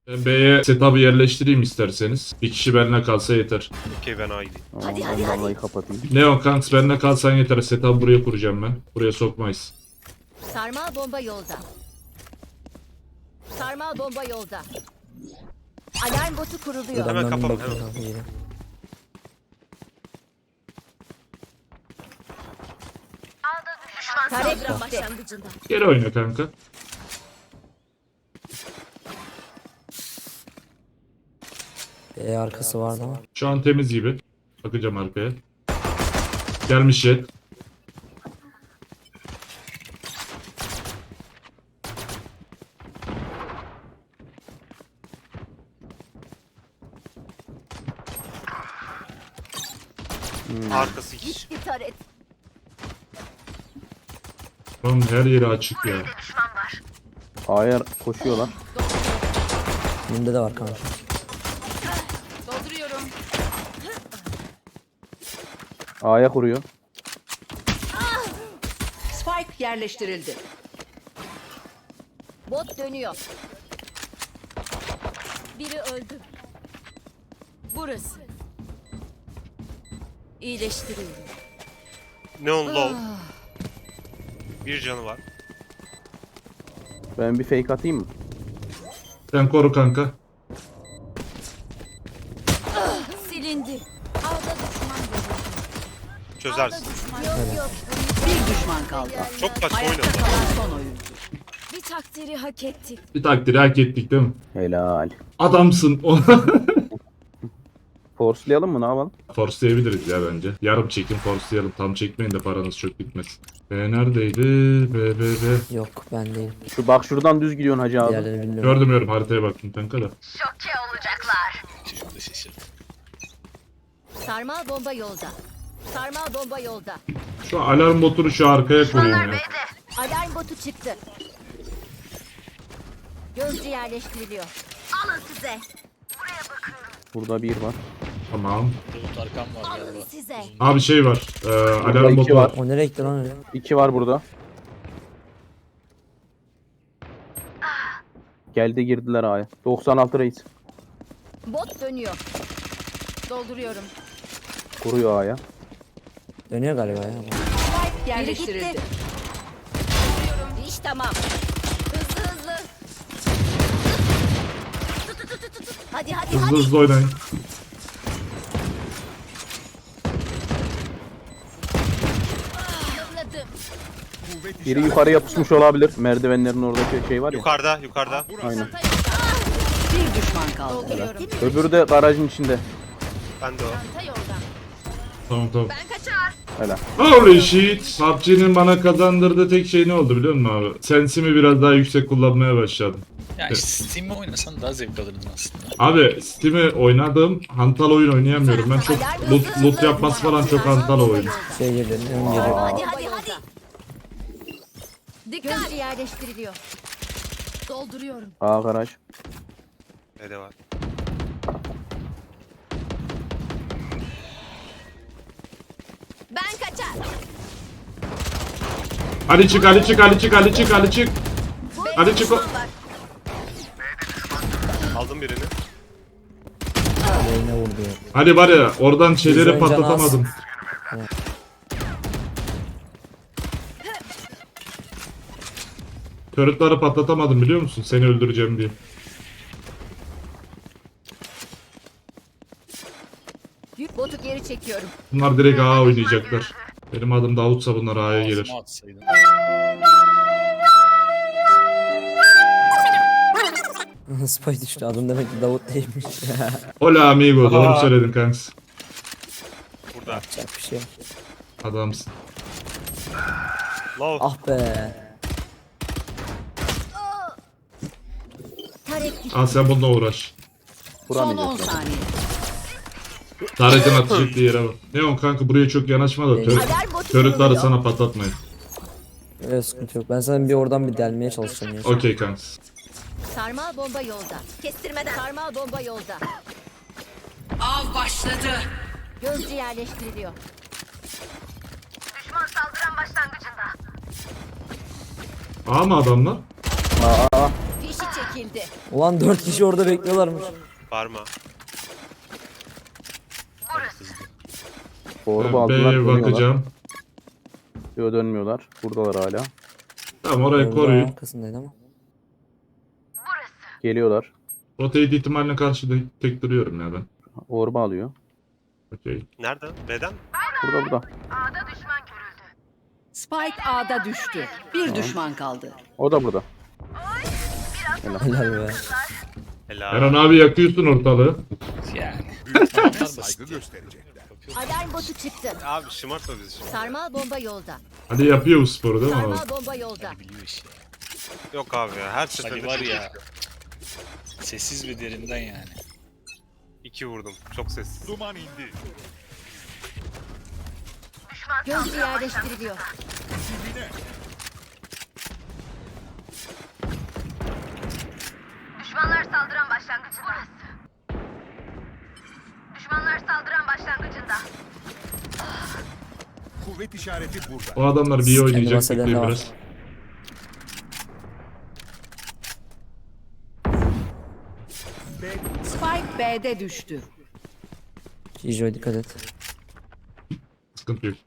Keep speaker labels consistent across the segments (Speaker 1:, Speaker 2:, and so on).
Speaker 1: Ben B'ye setup'ı yerleştireyim isterseniz. Bir kişi benimle kalsa yeter.
Speaker 2: Okey ben A gideyim.
Speaker 3: Tamam, ben damlayı kapatayım.
Speaker 1: Neon kanks benimle kalsan yeter. Setup'ı buraya kuracağım ben. Buraya sokmayız.
Speaker 4: Sarmal bomba yolda. Sarmal bomba yolda. Alarm botu kuruluyor.
Speaker 2: Hemen
Speaker 5: Adamların
Speaker 2: kapama,
Speaker 5: bakıyor
Speaker 2: hemen.
Speaker 5: abi yine.
Speaker 4: Tarek başlangıcında.
Speaker 1: Geri oyna kanka.
Speaker 5: Arkası vardı ama.
Speaker 1: Şu an temiz gibi. Bakacağım arkaya. Gelmiş jet.
Speaker 2: Arkası hiç.
Speaker 4: Gitti taret.
Speaker 1: Lan her yeri açık ya.
Speaker 3: A'ya koşuyorlar.
Speaker 5: Bunda da var kanka.
Speaker 4: Dolduruyorum.
Speaker 3: A'ya kuruyor.
Speaker 6: Spike yerleştirildi.
Speaker 4: Bot dönüyor. Biri öldü. Burası. İyileştiriyorum.
Speaker 2: Neon low. Bir canı var.
Speaker 3: Ben bir fake atayım mı?
Speaker 1: Sen koru kanka.
Speaker 4: Silindi. Ağda düşman görüldü.
Speaker 2: Çözersin.
Speaker 4: Yok.
Speaker 6: Bir düşman kaldı.
Speaker 2: Çok saçma
Speaker 6: Ayakta
Speaker 2: oynadı.
Speaker 6: kalan son oyuncu.
Speaker 4: Bir takdiri hak ettik.
Speaker 1: Bir takdiri hak ettik değil mi?
Speaker 3: Helal.
Speaker 1: Adamsın.
Speaker 3: Forcelayalım mı, ne yapalım?
Speaker 1: Forcelayabiliriz ya bence. Yarım çekin forcelayalım. Tam çekmeyin de paranız çok gitmesin. Neredeydi? B.
Speaker 5: Yok ben değilim.
Speaker 3: Bak şuradan düz gidiyorsun hacı abi.
Speaker 5: Diğerlerini bilmiyorum.
Speaker 1: Gördüm haritaya baktım kanka da.
Speaker 4: Sarmal bomba yolda. Sarmal bomba yolda.
Speaker 1: Şu alarm botunu şu arkaya koyun ya.
Speaker 4: Alarm botu çıktı. Gözcü yerleştiriliyor. Alın size.
Speaker 3: Burada bir var.
Speaker 1: Tamam.
Speaker 4: Alın size.
Speaker 1: Abi şey var. Alarm
Speaker 3: iki
Speaker 1: botu
Speaker 3: var.
Speaker 1: var.
Speaker 5: O nereye gitti lan öyle?
Speaker 3: 2 var burada. Geldi, girdiler A'ya. 96 reis.
Speaker 4: Bot dönüyor. Dolduruyorum.
Speaker 3: Kuruyor A'ya.
Speaker 5: Dönüyor galiba ya.
Speaker 6: Spike yerleştirildi.
Speaker 4: gitti. İş tamam. Hızlı. Hadi.
Speaker 1: Hızlı hızlı oynayın.
Speaker 4: Yılladım.
Speaker 3: Biri yukarı yapışmış olabilir. Merdivenlerin oradaki şey var ya.
Speaker 2: Yukarıda.
Speaker 3: Aynen.
Speaker 6: Bir düşman kaldı.
Speaker 4: Dolduruyorum.
Speaker 3: Öbürü de garajın içinde.
Speaker 2: Ben de o.
Speaker 4: Ta yolda.
Speaker 1: Tamam.
Speaker 4: Ben kaçar.
Speaker 3: Helal.
Speaker 1: Holy shit. PUBG'nin bana kazandırdığı tek şey ne oldu biliyor musun abi? Sensimi biraz daha yüksek kullanmaya başladım.
Speaker 7: Yani Steam'e oynasan daha zevk alırdın aslında.
Speaker 1: Abi Steam'i oynadım. Hantal oyun oynayamıyorum. Ben çok loot yapması falan çok hantal oyun.
Speaker 5: Şey geliyor, ön geliyor.
Speaker 4: Hadi. Dikkat. Gözcü yerleştiriliyor. Dolduruyorum.
Speaker 3: A garaj.
Speaker 2: B'de var.
Speaker 4: Ben kaçar.
Speaker 1: Ali çık. Hadi çık o.
Speaker 2: Aldım birini.
Speaker 5: Beyne vurdu ya.
Speaker 1: Hadi var ya oradan şeyleri
Speaker 5: Güzel can
Speaker 1: patlatamadım. Turret'ları patlatamadım biliyor musun? Seni öldüreceğim diye.
Speaker 4: Botu geri çekiyorum.
Speaker 1: Bunlar direkt A oynayacaklar. Benim adım Davutsa bunlar A'ya gelir.
Speaker 7: Ağzıma atsaydın.
Speaker 5: Spy düştü. Adım demek ki Davut değilmiş.
Speaker 1: Hola amigo doğru söyledin kanks.
Speaker 2: Burada.
Speaker 5: Yapacak bir şey yok.
Speaker 1: Adamsın.
Speaker 2: Low.
Speaker 5: Ah be.
Speaker 4: Tarek gitti.
Speaker 1: Al sen bununla uğraş.
Speaker 6: Son 10
Speaker 3: Vuramayacak.
Speaker 6: saniye.
Speaker 1: Taret'in atış ettiği yere bak. Neon kanka buraya çok yanaşma da
Speaker 4: Alarm botu
Speaker 1: turret'ları
Speaker 4: kuruluyor.
Speaker 1: sana patlatmayın.
Speaker 5: Öyle sıkıntı yok. Ben sana bir oradan bir delmeye çalışacağım ya.
Speaker 1: Okey kanks.
Speaker 4: Sarmal bomba yolda. Kestirmeden. Sarmal bomba yolda.
Speaker 6: Av başladı.
Speaker 4: Gözcü yerleştiriliyor. Düşman saldıran başlangıcında.
Speaker 1: A mı adamlar?
Speaker 3: Aa,
Speaker 4: Fişi çekildi.
Speaker 5: Ulan 4 kişi orada bekliyorlarmış.
Speaker 2: Parma.
Speaker 3: Orba aldılar.
Speaker 1: B'ye
Speaker 3: dönüyorlar.
Speaker 1: bakacağım.
Speaker 3: Yo, dönmüyorlar. Buradalar hala.
Speaker 1: Tamam orayı
Speaker 5: Orada
Speaker 1: koruyun.
Speaker 5: arkasındaydı ama.
Speaker 3: Geliyorlar.
Speaker 1: Rotate ihtimaline karşı da tek duruyorum ya ben.
Speaker 3: Orba alıyor.
Speaker 1: Okey.
Speaker 2: Nerede? B'den mi?
Speaker 3: Burada.
Speaker 6: Spike A'da düştü. Bir düşman kaldı.
Speaker 3: O da burada.
Speaker 5: Helal be.
Speaker 2: Helal.
Speaker 1: Eren abi yakıyorsun ortalığı.
Speaker 7: Yani. Adamlar basit.
Speaker 4: Alarm botu çıktı.
Speaker 2: Abi şımartma bizi şimdi.
Speaker 4: Sarmal bomba yolda.
Speaker 1: Hadi yapıyor bu sporu değil mi abi?
Speaker 4: Sarmal bomba yolda.
Speaker 7: Biliyor işi.
Speaker 2: Yok abi ya. Her seferinde
Speaker 7: Ali var ya. Sessiz ve derinden yani.
Speaker 2: 2 vurdum. Çok sessiz.
Speaker 4: Gözcü yerleştiriliyor.
Speaker 8: Düşmanlar saldıran başlangıcında. Düşmanlar saldıran başlangıcında.
Speaker 9: Kuvvet işareti burada.
Speaker 1: O adamlar bir oynayacak.
Speaker 5: bahseden de
Speaker 1: Bekleyin
Speaker 5: var.
Speaker 1: biraz.
Speaker 6: Spike B'de düştü.
Speaker 5: Kijo'ya dikkat et.
Speaker 1: Sıkıntı yok.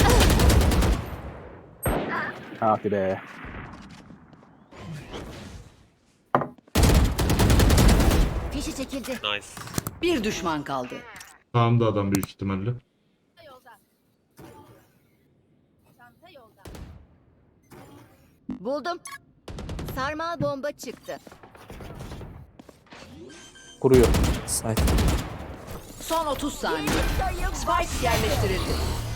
Speaker 3: Hadi be.
Speaker 4: Fişi çekildi.
Speaker 2: Nice.
Speaker 6: Bir düşman kaldı.
Speaker 1: Sağımda adam büyük ihtimalle.
Speaker 4: Buldum. Sarmal bomba çıktı.
Speaker 3: Kuruyor.
Speaker 5: Side.
Speaker 6: Son 30 saniye. Spike yerleştirildi.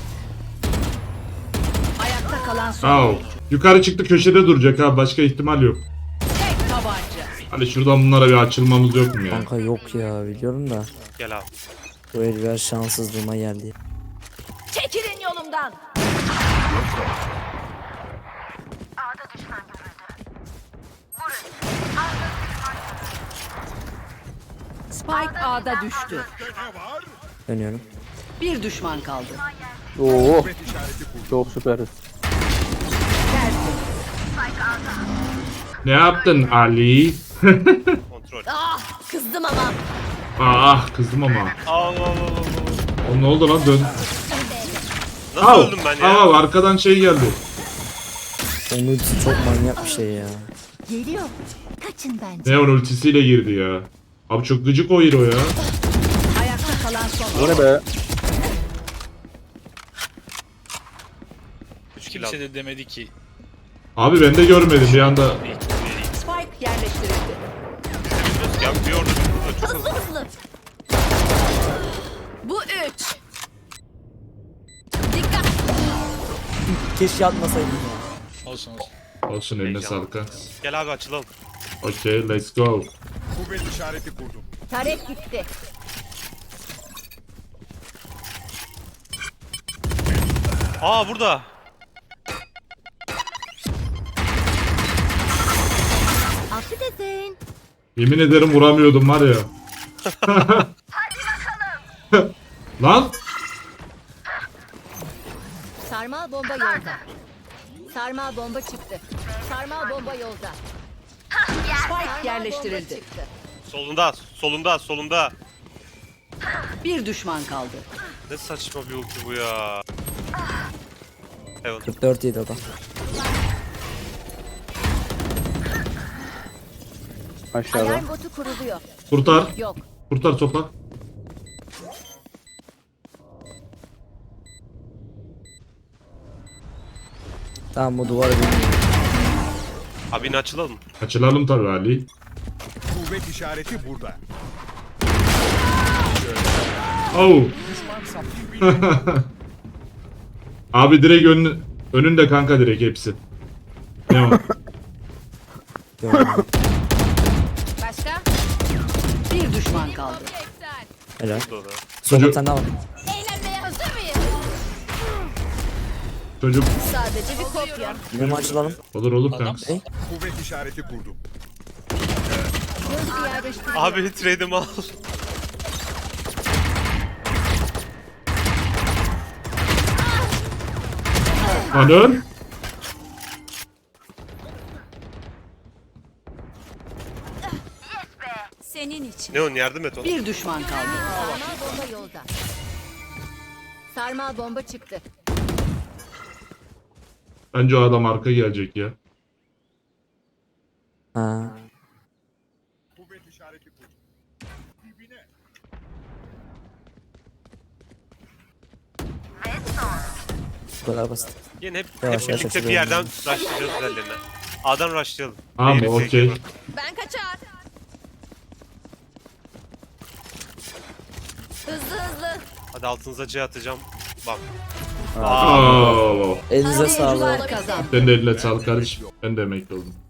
Speaker 6: Ayakta kalan son
Speaker 1: Au.
Speaker 6: oyuncu.
Speaker 1: Yukarı çıktı köşede duracak abi. Başka ihtimal yok.
Speaker 6: Tek tabanca.
Speaker 1: Hadi şuradan bunlara bir açılmamız yok mu ya?
Speaker 5: Kanka yok ya biliyorum da.
Speaker 2: Gel abi.
Speaker 5: Bu el biraz şanssızlığıma geldi.
Speaker 4: Çekilin yolumdan.
Speaker 8: A'da düşman görüldü.
Speaker 6: Spike A'da düştü.
Speaker 5: Dönüyorum.
Speaker 6: Bir düşman kaldı.
Speaker 3: Oo. Çok süperiz.
Speaker 1: Ne yaptın Ali?
Speaker 2: Kontrol.
Speaker 4: Ah kızdım ama.
Speaker 1: Ah kızdım ama.
Speaker 2: Allah Allah Allah.
Speaker 1: O ne oldu lan dön.
Speaker 2: Nasıl
Speaker 1: Au.
Speaker 2: öldüm ben ya?
Speaker 1: Au arkadan şey geldi.
Speaker 5: Onun ultisi çok manyak bir şey ya.
Speaker 4: Geliyor. Kaçın bence.
Speaker 1: Neon ultisiyle girdi ya. Abi çok gıcık o hero ya.
Speaker 6: Ayakta kalan son
Speaker 3: O
Speaker 6: oyuncu.
Speaker 3: ne be?
Speaker 2: 3 kill
Speaker 7: Kimse
Speaker 2: aldım.
Speaker 7: de demedi ki.
Speaker 1: Abi ben de görmedim bir anda.
Speaker 6: Spike yerleştirildi.
Speaker 2: Ya bir orada bir burada çok
Speaker 4: Hızlı hızlı. Bu 3. Dikkat.
Speaker 5: Keşke atmasaydım ya.
Speaker 7: Olsun olsun.
Speaker 1: Olsun eline
Speaker 2: Heyecanlı.
Speaker 1: sağlık ha.
Speaker 2: Gel abi açılalım.
Speaker 1: Okey let's go.
Speaker 9: Kuvvet işareti kurdum.
Speaker 4: Tarek gitti.
Speaker 2: Aa burada.
Speaker 4: Affedersin.
Speaker 1: Yemin ederim vuramıyordum var ya. Lan
Speaker 4: Sarmal bomba yolda. Sarmal bomba çıktı. Sarmal bomba yolda.
Speaker 6: Spike
Speaker 4: Sarmal
Speaker 6: yerleştirildi.
Speaker 4: bomba çıktı.
Speaker 2: Solunda. Solunda. Solunda.
Speaker 6: Bir düşman kaldı.
Speaker 2: Ne saçma bir ulti bu ya. Evet.
Speaker 5: 44 yedi o da.
Speaker 3: Aşağıda.
Speaker 4: Alarm botu kuruluyor.
Speaker 1: kurtar.
Speaker 4: Yok.
Speaker 1: Kurtar sopa.
Speaker 5: Tamam bu duvarı bir
Speaker 2: Abi yine açılalım.
Speaker 1: Açılalım tabii Ali.
Speaker 9: Kuvvet işareti burada.
Speaker 1: Oh. Abi direkt önünde kanka direkt hepsi. Ne o?
Speaker 5: görmedim.
Speaker 4: Başka?
Speaker 6: Bir düşman kaldı.
Speaker 5: Helal.
Speaker 2: Burada da.
Speaker 5: Sonra bir tane daha var.
Speaker 4: Eğlenmeye hazır mıyız?
Speaker 1: Çocuk
Speaker 4: Sadece bir kopya.
Speaker 5: Yine mi açılalım?
Speaker 1: olur
Speaker 7: Adam
Speaker 1: kanka.
Speaker 9: Kuvvet işareti kurdum.
Speaker 4: Gözcü yerleştiriliyor.
Speaker 2: Abi trade'imi al.
Speaker 1: Lan
Speaker 2: Neon yardım et ona.
Speaker 6: Bir düşman kaldı.
Speaker 4: Sarmal bomba yolda. Sarmal bomba çıktı.
Speaker 1: Bence o adam arka gelecek ya.
Speaker 5: Ha.
Speaker 9: Kuvvet işareti kurdum. Dibine.
Speaker 5: Bu kadar basit.
Speaker 2: Yine hep
Speaker 5: Yavaş yavaş
Speaker 2: birlikte bir
Speaker 5: açılıyorum
Speaker 2: yerden
Speaker 5: yani.
Speaker 2: rushlayacağız üzerlerine. A'dan rushlayalım.
Speaker 1: Tamam
Speaker 2: Diğeri
Speaker 1: okey.
Speaker 2: fake'e bak.
Speaker 4: Ben kaçar. Hızlı hızlı.
Speaker 2: Hadi altınıza C atacağım. Bak.
Speaker 1: Oo.
Speaker 5: Elinize sağlık.
Speaker 6: Oyuncular kazandı.
Speaker 1: Sen de eline sağlık kardeşim. Ben de emekli oldum.